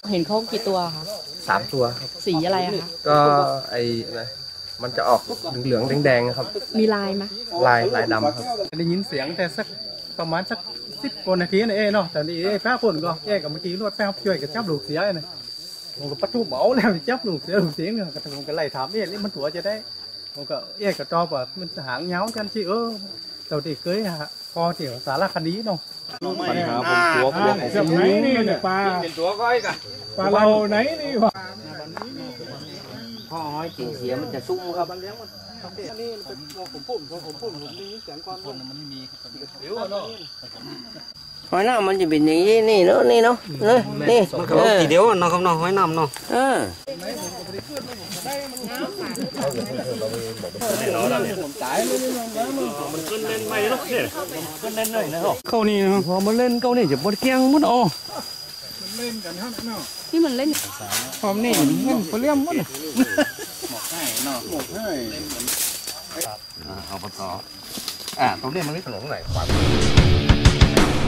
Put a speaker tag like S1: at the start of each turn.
S1: เห็นเขากี่ตัวคะ
S2: 3 ตัวครับ
S1: สีอะไรคะ
S2: ก็ไอ้อะไรมันจะออกเหลืองๆแดงๆครับ
S1: มีลายไหม
S2: ลายดำครับ
S3: ได้ยินเสียงแต่สักประมาณสัก10 กว่านาทีนะเนาะแต่นี่แพ้คนก็แยกกับเมื่อกี้รวดแพ้ช่วยกับจับลูกเสียนะผมก็ปัดทุบเบาแล้วจับลูกเสียเนี่ยก็ผมก็ไล่ถามนี่มันตัวจะได้ผมก็แยกกับจอว่ามันหางเงากันที่เราได้เคยฮะพอเที่ยวสารคดีเนาะ
S4: ปัญหาบนตัวของ
S3: ไหนนี่เนี่ยปลา
S4: เป็นตัวก้อยกัน
S3: ปลาเราไหนนี่วะ
S5: พ่อห้อยจริงเสียมันจะซุ้มครับ
S3: นี่เป็นผมพูดผมมีเสียงความมันไม่มี
S5: หอยน้ำมันจะเป็นอย่างนี้นี่เนาะนี่
S4: มันเขาทีเดียวเนาะครับเนาะหอยน้ำเนาะมันขึ้นเล่นไม่หรอกเนี่ยขึ้นเล่นเลยนะเข้านี่พอมันเล่นเข้านี่จะบดเกี้ยงมันอ๋อ
S3: มันเล่นกันฮะเนาะ
S1: ที่มันเล่น
S3: พร้อมนี่มันเปรี้ยมมันหมกให้เนาะหมกให้
S4: เอาไปต่อตรงนี้มันไม่ถนนไหนขวา